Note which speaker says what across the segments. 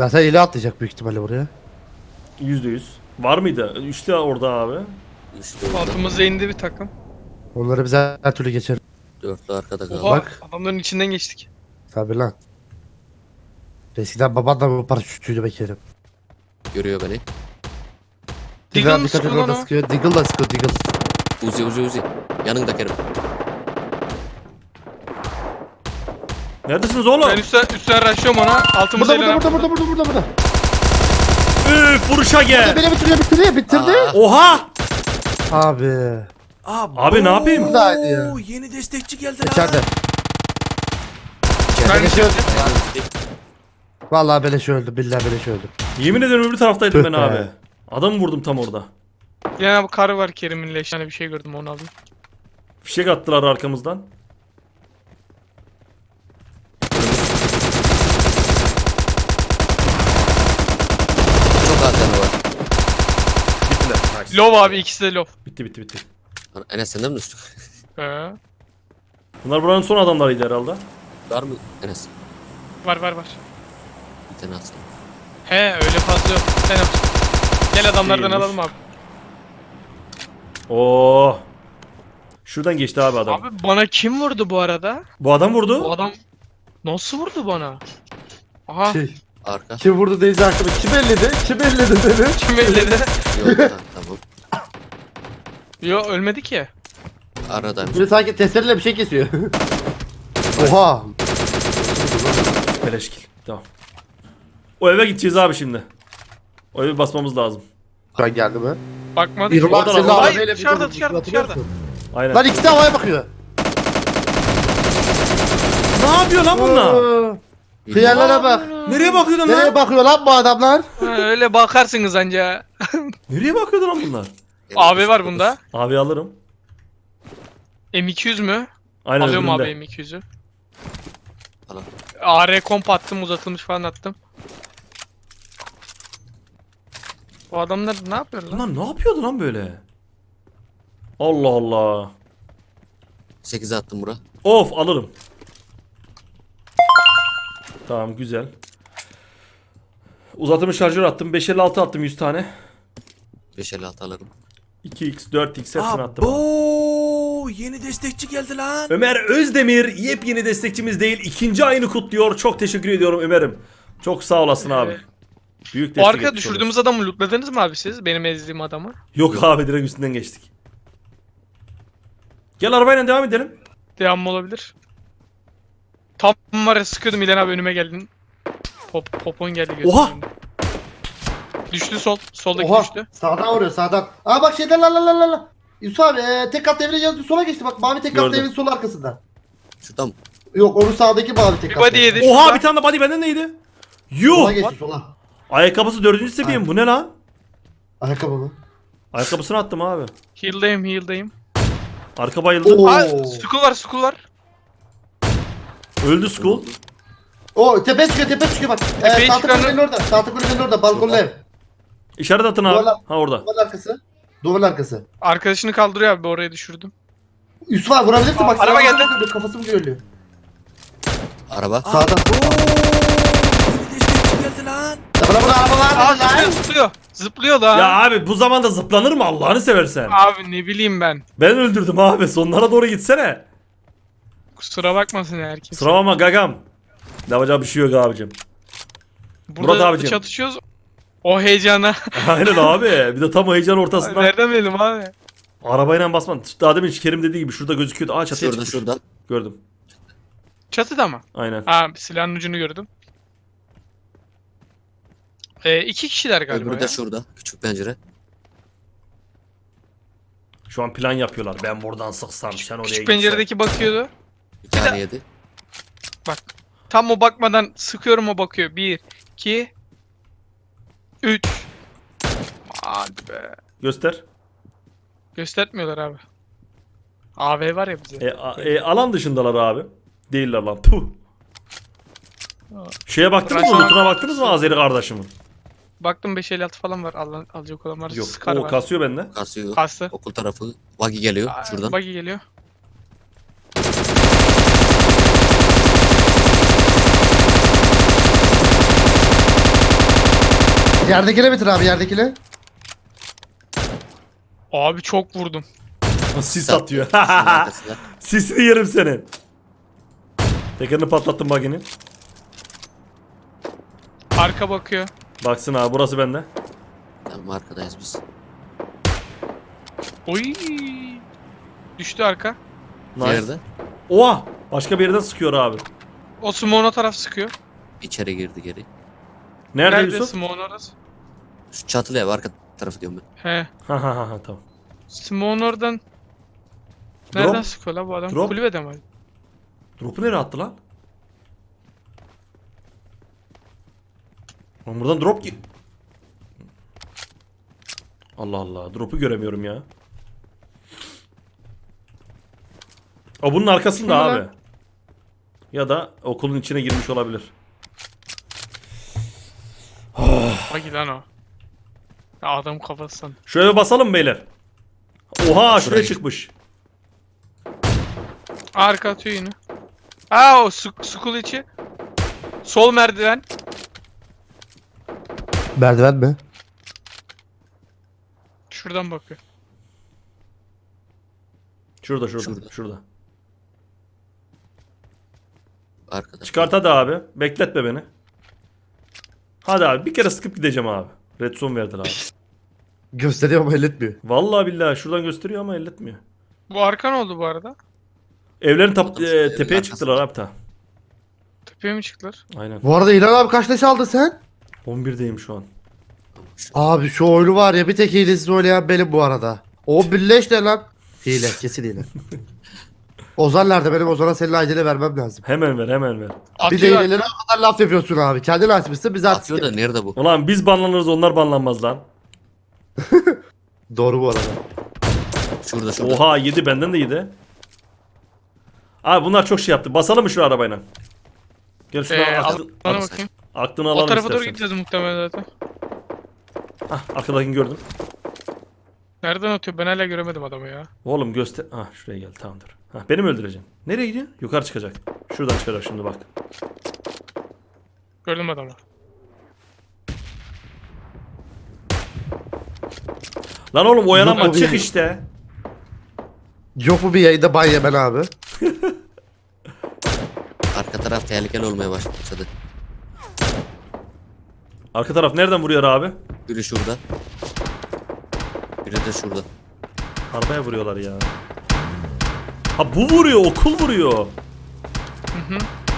Speaker 1: Zaten eli atlayacak büyük ihtimalle buraya.
Speaker 2: %100. Var mıydı? Üçte orada abi.
Speaker 3: Üçlü orada.
Speaker 4: Altımıza indi bir takım.
Speaker 1: Onları biz her türlü geçer.
Speaker 3: Dörtlü arkada kaldı.
Speaker 4: Oha,
Speaker 1: Bak.
Speaker 4: adamların içinden geçtik.
Speaker 1: Tabi lan. Eskiden baban da bu paraşütçüydü Bekir'im.
Speaker 3: Görüyor beni.
Speaker 4: Deagle mı
Speaker 1: Dikkat et
Speaker 4: sıkıyor lan
Speaker 1: orada
Speaker 4: o?
Speaker 1: sıkıyor. Deagle da sıkıyor Deagle.
Speaker 3: Uzi. Yanında Kerim.
Speaker 2: Neredesiniz oğlum?
Speaker 4: Ben üstten rushlıyorum ona. Altımıza
Speaker 1: Burada
Speaker 4: inen.
Speaker 1: burada.
Speaker 2: Üf, vuruşa gel.
Speaker 1: Beni bitirdi.
Speaker 2: Oha!
Speaker 1: Abi.
Speaker 2: Abi ne yapayım?
Speaker 1: Buradaydı ya.
Speaker 2: Yeni destekçi geldi lan.
Speaker 1: İçeride.
Speaker 4: Ben
Speaker 1: Beleş
Speaker 4: de
Speaker 1: öldü. Vallahi beleş öldü. Billahi beleş öldü.
Speaker 2: Yemin ederim öbür taraftaydım
Speaker 1: Tüh
Speaker 2: ben
Speaker 1: be.
Speaker 2: abi. Adamı vurdum tam orada.
Speaker 4: Yani bu karı var Kerim'in leş. Yani bir şey gördüm onu alayım.
Speaker 2: Fişek attılar arkamızdan.
Speaker 3: Çok az canı var.
Speaker 2: Bittiler. Nice.
Speaker 4: Lov abi, ikisi de lov.
Speaker 2: Bitti.
Speaker 3: Lan Enes senden mi düştük?
Speaker 2: Bunlar buranın son adamlarıydı herhalde.
Speaker 3: Var mı Enes?
Speaker 4: Var.
Speaker 3: Bir tane atsana.
Speaker 4: He öyle fazla yok. Sen yap. Gel adamlardan
Speaker 2: İyiymiş.
Speaker 4: alalım abi.
Speaker 2: Oo. Şuradan geçti abi adam.
Speaker 4: Abi bana kim vurdu bu arada?
Speaker 2: Bu adam vurdu.
Speaker 4: Bu adam nasıl vurdu bana? Aha
Speaker 3: Arka.
Speaker 1: Kim vurdu Deyzi aklıma? Kim elledi beni?
Speaker 4: kim elledi?
Speaker 3: Yok tamam.
Speaker 4: Yo ölmedi ki.
Speaker 3: Aradaymış.
Speaker 1: Böyle sanki testereyle bir şey kesiyor. Oha.
Speaker 2: Beleşkil. Tamam. O eve gideceğiz abi şimdi. O eve basmamız lazım.
Speaker 1: Ben geldim ha.
Speaker 4: Bakmadı.
Speaker 1: İrmak
Speaker 2: Oradan
Speaker 1: senin
Speaker 2: al.
Speaker 4: Hayır,
Speaker 1: arabayla bir
Speaker 4: dışarıda,
Speaker 1: vurmuş,
Speaker 4: dışarıda,
Speaker 1: hatırlıyor
Speaker 4: dışarıda.
Speaker 1: musun?
Speaker 2: Aynen.
Speaker 1: Lan ikisi de havaya bakıyor.
Speaker 2: Ne yapıyor lan bunlar?
Speaker 1: Hıyarlara bak.
Speaker 2: Nereye bakıyordun
Speaker 1: Nereye
Speaker 2: lan?
Speaker 1: bakıyor lan bu adamlar?
Speaker 4: Ha, öyle bakarsınız anca.
Speaker 2: Nereye bakıyordu lan bunlar?
Speaker 4: AB var bunda.
Speaker 2: Abi alırım.
Speaker 4: M200 mü?
Speaker 2: Aynen
Speaker 4: Alıyorum abi
Speaker 2: öbüründe.
Speaker 4: M200'ü.
Speaker 3: Tamam.
Speaker 4: AR komp attım, uzatılmış falan attım. O adamlar ne yapıyor lan?
Speaker 2: Bunlar ne yapıyordu lan böyle? Allah Allah.
Speaker 3: 8'e attım bura.
Speaker 2: Of alırım. Tamam güzel. Uzatılmış şarjör attım. 556 attım 100 tane.
Speaker 3: 556 alırım.
Speaker 2: 2x 4x hepsini attım.
Speaker 5: Oo, yeni destekçi geldi lan.
Speaker 2: Ömer Özdemir yepyeni destekçimiz değil. İkinci ayını kutluyor. Çok teşekkür ediyorum Ömer'im. Çok sağ olasın abi. Büyük
Speaker 4: O
Speaker 2: destek
Speaker 4: arka
Speaker 2: etmiş
Speaker 4: düşürdüğümüz adamı lootladınız mı abi siz? Benim ezdiğim adamı.
Speaker 2: olursun. Yok abi direkt üstünden geçtik. Gel arabayla devam edelim.
Speaker 4: Devamlı olabilir. Tam var ya, sıkıyordum İlhan abi, önüme geldin. Popon geldi gözümün
Speaker 2: Oha!
Speaker 4: önünde. Düştü soldaki
Speaker 1: Oha.
Speaker 4: düştü.
Speaker 1: Sağdan vuruyor sağdan. Aa bak şeyden la. Yusuf abi tek kat devre yazdı sola geçti bak mavi tek kat
Speaker 2: Gördüm.
Speaker 1: devrenin sol arkasında.
Speaker 3: Şurada mı?
Speaker 1: Yok onun sağdaki mavi tek
Speaker 4: Bir
Speaker 1: kat.
Speaker 4: body yedi.
Speaker 2: Oha
Speaker 4: şurada.
Speaker 2: bir tane de body benden neydi?
Speaker 1: Sola
Speaker 2: Yuh!
Speaker 1: geçti sola.
Speaker 2: Ayakkabısı 4. seviye mi? Bu ne lan?
Speaker 1: Ayakkabı mı?
Speaker 2: Ayakkabısını attım abi.
Speaker 4: Heal'dayım.
Speaker 2: Arka bayıldı.
Speaker 1: Oo.
Speaker 4: Aa, skull var.
Speaker 2: Öldü Skull.
Speaker 1: O tepe çıkıyor bak.
Speaker 4: Tepeye
Speaker 1: Tahta
Speaker 4: çıkanı-
Speaker 1: kulübenin orada. Tahta kulübenin orada balkonlu ev.
Speaker 2: İşaret atın abi.
Speaker 1: Duvarla-
Speaker 2: Ha orada.
Speaker 1: Duvarın arkası.
Speaker 4: Arkadaşını kaldırıyor abi, oraya düşürdüm.
Speaker 1: Yusuf abi vurabilirsin bak.
Speaker 4: Araba
Speaker 1: sağdan
Speaker 4: geldi.
Speaker 1: görülüyor, kafası mı görülüyor?
Speaker 3: Araba.
Speaker 1: Sağdan.
Speaker 5: Yeni destekçi geldi lan.
Speaker 1: Bana araba var
Speaker 4: Aa,
Speaker 1: mı lan?
Speaker 4: zıplıyor lan.
Speaker 2: Ya abi bu zamanda zıplanır mı Allah'ını seversen?
Speaker 4: Abi ne bileyim ben.
Speaker 2: Ben öldürdüm abi. Sonlara doğru gitsene.
Speaker 4: Kusura bakmasın herkes.
Speaker 2: Sıralama gagam. Ne yapacağı bir şey yok abicim.
Speaker 4: Burada
Speaker 2: Murat abicim.
Speaker 4: çatışıyoruz. O heyecana.
Speaker 2: Aynen abi. Bir de tam o heyecan ortasında.
Speaker 4: Nereden bilelim abi?
Speaker 2: Arabayla basman. Daha demin Kerim dediği gibi şurada gözüküyordu. Aa çatıya çıkmış.
Speaker 3: Şuradan.
Speaker 2: Gördüm.
Speaker 4: Çatıda mı?
Speaker 2: Aynen.
Speaker 4: Aa, silahın ucunu gördüm. 2 kişiler galiba
Speaker 3: Öbürü
Speaker 4: ya.
Speaker 3: de şurada. Küçük pencere.
Speaker 2: Şu an plan yapıyorlar. Ben buradan sıksam sen oraya
Speaker 4: Küçük
Speaker 2: gitsen.
Speaker 4: penceredeki bakıyordu.
Speaker 3: Bir tane yedi.
Speaker 4: Bak. Tam o bakmadan sıkıyorum, o bakıyor. 1, 2, 3. Hadi be.
Speaker 2: Göster.
Speaker 4: Göstermiyorlar abi. AV var ya bize.
Speaker 2: Alan dışındalar abi. Değiller lan. Puh. Şeye baktınız mı?
Speaker 4: Raşman-
Speaker 2: Lootuna baktınız mı Azeri kardeşimin?
Speaker 4: Baktım 556 falan var. Alacak olan var.
Speaker 2: Yok.
Speaker 4: Scar
Speaker 2: O
Speaker 4: var.
Speaker 2: kasıyor bende.
Speaker 3: Kasıyor.
Speaker 4: Kastı.
Speaker 3: Okul tarafı. Buggy geliyor. Şuradan.
Speaker 4: Buggy geliyor.
Speaker 1: Yerdekine bitir abi yerdekine.
Speaker 4: Abi çok vurdum.
Speaker 2: Sis
Speaker 3: Sat-
Speaker 2: atıyor.
Speaker 3: Şunun arkasında.
Speaker 2: Sisini yerim senin. Tekerini patlattım baginin.
Speaker 4: Arka bakıyor.
Speaker 2: Baksın abi burası bende.
Speaker 3: Tamam arkadayız biz.
Speaker 4: Oy. Düştü arka.
Speaker 2: Nice.
Speaker 3: Nerede?
Speaker 2: Oha! Başka bir yerden sıkıyor abi.
Speaker 4: O Smoke'un taraf sıkıyor.
Speaker 3: İçeri girdi geri.
Speaker 2: Nerede
Speaker 4: Nerede
Speaker 2: Yusuf?
Speaker 4: Smoke'un orası?
Speaker 3: Şu çatılı ev arka tarafı diyorum ben.
Speaker 4: He.
Speaker 2: Ha ha ha tamam.
Speaker 4: Smoke'un oradan. Nereden
Speaker 2: Drop.
Speaker 4: sıkıyor la bu adam?
Speaker 2: Drop.
Speaker 4: Kulübede mi?
Speaker 2: Drop'u nereye attı lan? Lan buradan drop ki. Allah Allah. Drop'u göremiyorum ya. O bunun arkasında
Speaker 4: Kim
Speaker 2: abi.
Speaker 4: lan?
Speaker 2: Ya da okulun içine girmiş olabilir.
Speaker 4: Bak lan o. Ya adam kafasından.
Speaker 2: Şöyle basalım mı beyler? Oha şuraya
Speaker 3: Şuraya.
Speaker 2: çıkmış.
Speaker 4: Arka atıyor yine. Aa o school içi. Sol merdiven.
Speaker 1: Merdiven mi?
Speaker 4: Şuradan bakıyor.
Speaker 2: Şurada.
Speaker 3: Şurada.
Speaker 2: Şurada.
Speaker 3: Arkada.
Speaker 2: Çıkart hadi abi. Bekletme beni. Hadi abi bir kere sıkıp gideceğim abi. Red zone verdiler abi.
Speaker 1: Gösteriyor ama elletmiyor.
Speaker 2: Vallahi billahi şuradan gösteriyor ama elletmiyor.
Speaker 4: Bu arka ne oldu bu arada?
Speaker 2: Evlerin
Speaker 3: Adam evin
Speaker 2: tepeye
Speaker 3: arkasında.
Speaker 2: çıktılar abi ta.
Speaker 4: Tepeye mi çıktılar?
Speaker 2: Aynen.
Speaker 1: Bu arada İlhan abi kaç leş aldın sen?
Speaker 2: 11'deyim şu an.
Speaker 1: Abi şu oyunu var ya bir tek hilesiz oynayan benim bu arada. O birleş ne lan? Hile kesin hile. Ozan nerede? Benim Ozan'a senin acele vermem lazım.
Speaker 2: Hemen ver.
Speaker 1: Bir de
Speaker 4: Atıyor.
Speaker 1: hilelere o kadar laf yapıyorsun abi. Kendin açmışsın biz artık.
Speaker 3: Atıyor da nerede bu?
Speaker 2: Ulan biz banlanırız onlar banlanmaz lan.
Speaker 1: Doğru bu arada.
Speaker 3: Şurada.
Speaker 2: Oha yedi benden de yedi. Abi bunlar çok şey yaptı. Basalım mı şu arabayla? Gel şuna
Speaker 4: Bana bakayım.
Speaker 2: aklını
Speaker 4: O
Speaker 2: alalım
Speaker 4: tarafa doğru
Speaker 2: istersen.
Speaker 4: gideceğiz muhtemelen zaten.
Speaker 2: Hah arkadakini gördüm.
Speaker 4: Nereden atıyor? Ben hala göremedim adamı ya.
Speaker 2: Oğlum göster. Hah şuraya gel tamamdır. Hah beni mi öldüreceksin? Nereye gidiyor? Yukarı çıkacak. Şuradan çıkacak şimdi bak.
Speaker 4: Gördüm adamı.
Speaker 2: Lan oğlum oyalanma
Speaker 1: Yok,
Speaker 2: çık
Speaker 1: yok.
Speaker 2: işte.
Speaker 1: Yok mu bir yayında ban yemen abi?
Speaker 3: Arka taraf tehlikeli olmaya başladı.
Speaker 2: Arka taraf nereden vuruyor abi?
Speaker 3: Biri şurada. Biri de şurada.
Speaker 2: Arabaya vuruyorlar ya. Ha bu vuruyor okul vuruyor.
Speaker 4: Hı hı.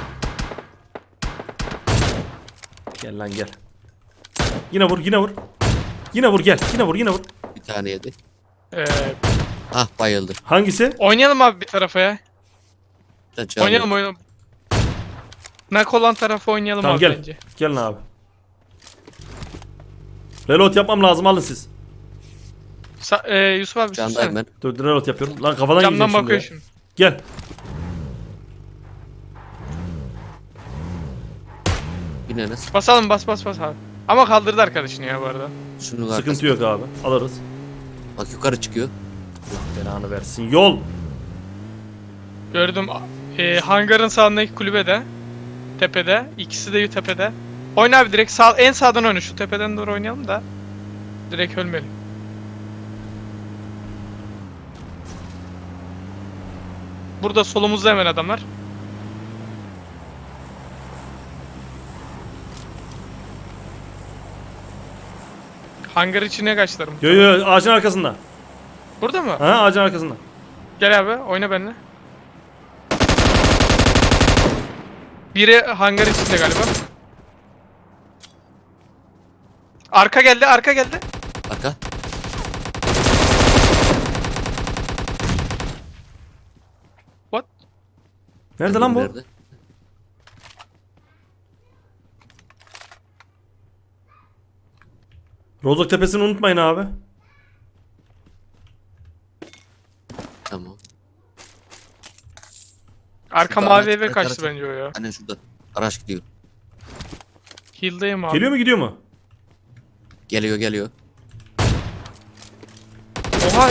Speaker 2: Gel lan gel. Yine vur yine vur. Yine vur gel yine vur.
Speaker 3: Bir tane yedi.
Speaker 4: Ee,
Speaker 3: Ah bayıldı.
Speaker 2: Hangisi?
Speaker 4: oynayalım abi bir tarafa ya.
Speaker 3: Bir de canı
Speaker 4: Oynayalım
Speaker 3: yok.
Speaker 4: oynayalım. Nak olan tarafı oynayalım
Speaker 2: Tamam
Speaker 4: abi
Speaker 2: gel.
Speaker 4: bence.
Speaker 2: Gelin abi. Reload yapmam lazım alın siz.
Speaker 4: Yusuf abi
Speaker 3: Candayım
Speaker 4: sussana.
Speaker 3: ben.
Speaker 2: Dur reload yapıyorum. Lan kafadan
Speaker 4: Camdan
Speaker 2: yiyeceğim
Speaker 4: bakıyor
Speaker 2: şimdi.
Speaker 4: şimdi.
Speaker 2: Gel.
Speaker 3: Bineriz.
Speaker 4: Basalım bas abi. Ama kaldırdı arkadaşını ya bu arada.
Speaker 3: Şunun
Speaker 2: Sıkıntı
Speaker 3: arkasında.
Speaker 2: yok abi. Alırız.
Speaker 3: Bak yukarı çıkıyor.
Speaker 2: Belanı versin. Yol.
Speaker 4: Gördüm. Hangarın sağındaki kulübede. Tepede. İkisi de tepede. Oyna abi direkt sağ, en sağdan oyna. Şu tepeden doğru oynayalım da. Direkt ölmeyelim. Burada solumuzda hemen adamlar. Hangar içine kaçtılar mı?
Speaker 2: Yo ağacın arkasında.
Speaker 4: Burada mı?
Speaker 2: Ha ağacın arkasında.
Speaker 4: Gel abi oyna benimle. Biri hangar içinde galiba. Arka geldi.
Speaker 3: Arka.
Speaker 4: What?
Speaker 2: Nerede lan bu?
Speaker 3: Nerede?
Speaker 2: Rozok tepesini unutmayın abi.
Speaker 3: Tamam.
Speaker 4: Arka
Speaker 3: Şurada
Speaker 4: mavi
Speaker 3: araç-
Speaker 4: eve
Speaker 3: araç-
Speaker 4: kaçtı
Speaker 3: araç.
Speaker 4: bence o ya.
Speaker 3: Aynen şurada. Araç gidiyor.
Speaker 4: Heal'dayım abi.
Speaker 2: Geliyor mu gidiyor mu?
Speaker 3: Geliyor.
Speaker 4: Oha.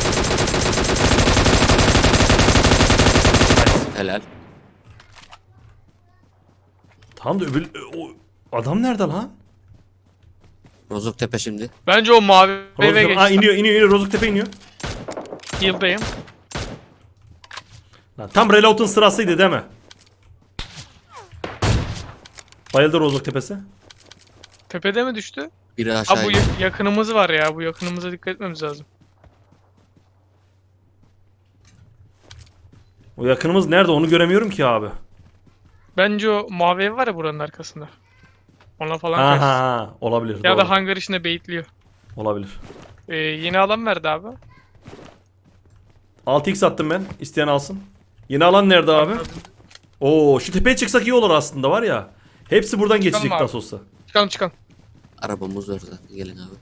Speaker 3: Helal.
Speaker 2: Tamam da öbür... O adam nerede lan?
Speaker 3: Rozoktepe şimdi.
Speaker 4: Bence o mavi eve
Speaker 2: Rozoktepe. Aa,
Speaker 4: geçti.
Speaker 2: iniyor. Rozoktepe iniyor.
Speaker 4: Heal'dayım.
Speaker 2: Lan, tam reload'un sırasıydı değil mi? Bayıldı Rozoktepe'si.
Speaker 4: Tepede mi düştü?
Speaker 3: Biri
Speaker 4: Ha
Speaker 3: aşağı
Speaker 4: bu
Speaker 3: indi.
Speaker 4: yakınımız var ya. Bu yakınımıza dikkat etmemiz lazım.
Speaker 2: O yakınımız nerede onu göremiyorum ki abi.
Speaker 4: Bence o mavi ev var ya buranın arkasında. Ona falan karşı.
Speaker 2: Aha, olabilir.
Speaker 4: Ya
Speaker 2: doğru.
Speaker 4: da hangar içinde baitliyor.
Speaker 2: Olabilir.
Speaker 4: Yeni alan verdi abi.
Speaker 2: 6x attım ben. İsteyen alsın. Yeni alan nerede abi? Oo, şu tepeye çıksak iyi olur aslında var ya. Hepsi buradan geçecek
Speaker 4: abi.
Speaker 2: nasıl olsa.
Speaker 4: Çıkalım çıkalım.
Speaker 3: Arabamız orada. Gelin abi.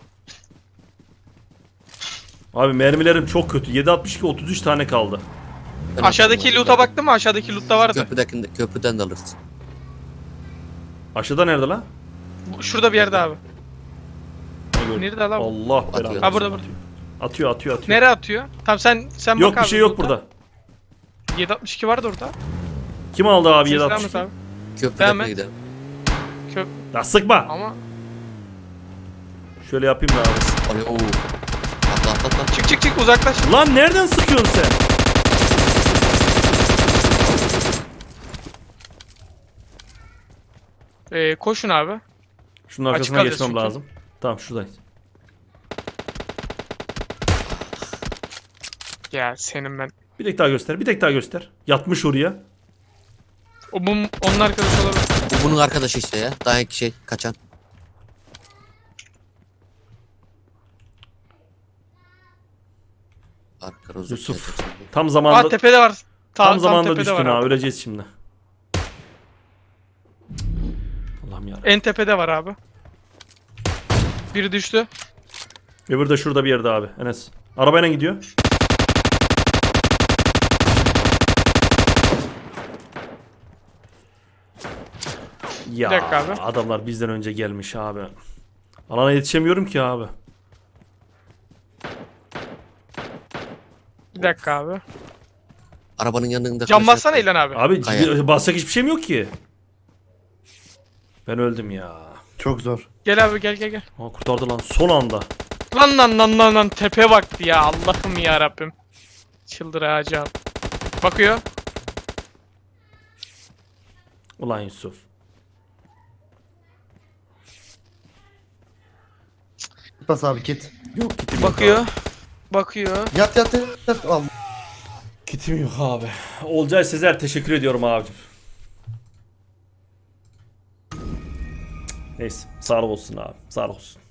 Speaker 2: Abi mermilerim çok kötü. 7.62 33 tane kaldı.
Speaker 3: Ben
Speaker 4: Aşağıdaki
Speaker 3: atarım abi.
Speaker 4: loot'a baktın mı? Aşağıdaki loot'ta vardı.
Speaker 3: Köprüden de alırsın.
Speaker 2: Aşağıda nerede lan?
Speaker 4: Şurada bir yerde abi.
Speaker 2: Ne gördüm?
Speaker 4: Nerede lan bu?
Speaker 2: Allah belanı.
Speaker 3: Atıyor.
Speaker 4: Ha burada burada.
Speaker 2: Atıyor.
Speaker 4: Nereye atıyor? Tamam sen
Speaker 2: Yok
Speaker 4: bak
Speaker 2: bir
Speaker 4: abi
Speaker 2: şey yok
Speaker 4: loot'a.
Speaker 2: burada.
Speaker 4: 762 vardı orada.
Speaker 2: Kim aldı abi
Speaker 4: Ses devam
Speaker 2: 7.62?
Speaker 4: et abi.
Speaker 3: Köprüden
Speaker 4: et.
Speaker 3: gidelim.
Speaker 4: Köp
Speaker 2: Ya sıkma.
Speaker 4: ama
Speaker 2: Şöyle yapayım da abi.
Speaker 3: Oraya ooo. Atla.
Speaker 4: çık uzaklaş.
Speaker 2: Lan nereden sıkıyorsun sen?
Speaker 4: Koşun abi.
Speaker 2: Şunun
Speaker 4: Açık
Speaker 2: arkasına
Speaker 4: kalacağız
Speaker 2: geçmem
Speaker 4: çünkü.
Speaker 2: lazım. Tamam şuradayız.
Speaker 4: Ya senin ben.
Speaker 2: Bir tek daha göster. Yatmış oraya.
Speaker 4: Onun arkadaşı olabilir.
Speaker 3: Bu bunun arkadaşı işte ya. Daha iki şey kaçan. Arka rozoktepe.
Speaker 2: Yusuf.
Speaker 3: şimdi.
Speaker 2: Tam
Speaker 4: Aa
Speaker 2: zamanında
Speaker 4: tepede var.
Speaker 2: tam zamanında
Speaker 4: tepede
Speaker 2: düştün
Speaker 4: var
Speaker 2: ha.
Speaker 4: abi.
Speaker 2: Öleceğiz şimdi. Allah'ım ya.
Speaker 4: En tepede var abi. Biri düştü.
Speaker 2: Öbürü de şurada bir yerde abi. Enes. Arabayla gidiyor. Ya
Speaker 4: Bir dakika abi.
Speaker 2: adamlar bizden önce gelmiş abi. Alana yetişemiyorum ki abi.
Speaker 4: Bir dakika abi.
Speaker 3: Arabanın yanında.
Speaker 4: Cam
Speaker 3: klasör-
Speaker 4: bassana İlhan abi.
Speaker 2: Abi
Speaker 3: Kaya.
Speaker 2: basacak hiçbir şeyim yok ki. Ben öldüm ya.
Speaker 1: Çok zor.
Speaker 4: Gel abi gel.
Speaker 2: Aa, kurtardı lan son anda.
Speaker 4: Lan tepe baktı ya Allah'ım ya Rabbim. Çıldıracağım. Bakıyor.
Speaker 2: Ulan Yusuf.
Speaker 1: Git bas abi git.
Speaker 2: Yok kitim yok
Speaker 4: Bakıyor.
Speaker 2: abi.
Speaker 4: Bakıyor.
Speaker 1: Yat. Allah.
Speaker 2: Kitim yok abi. Olcay Sezer teşekkür ediyorum abicim. Neyse sağ olsun abi. Sağ olsun.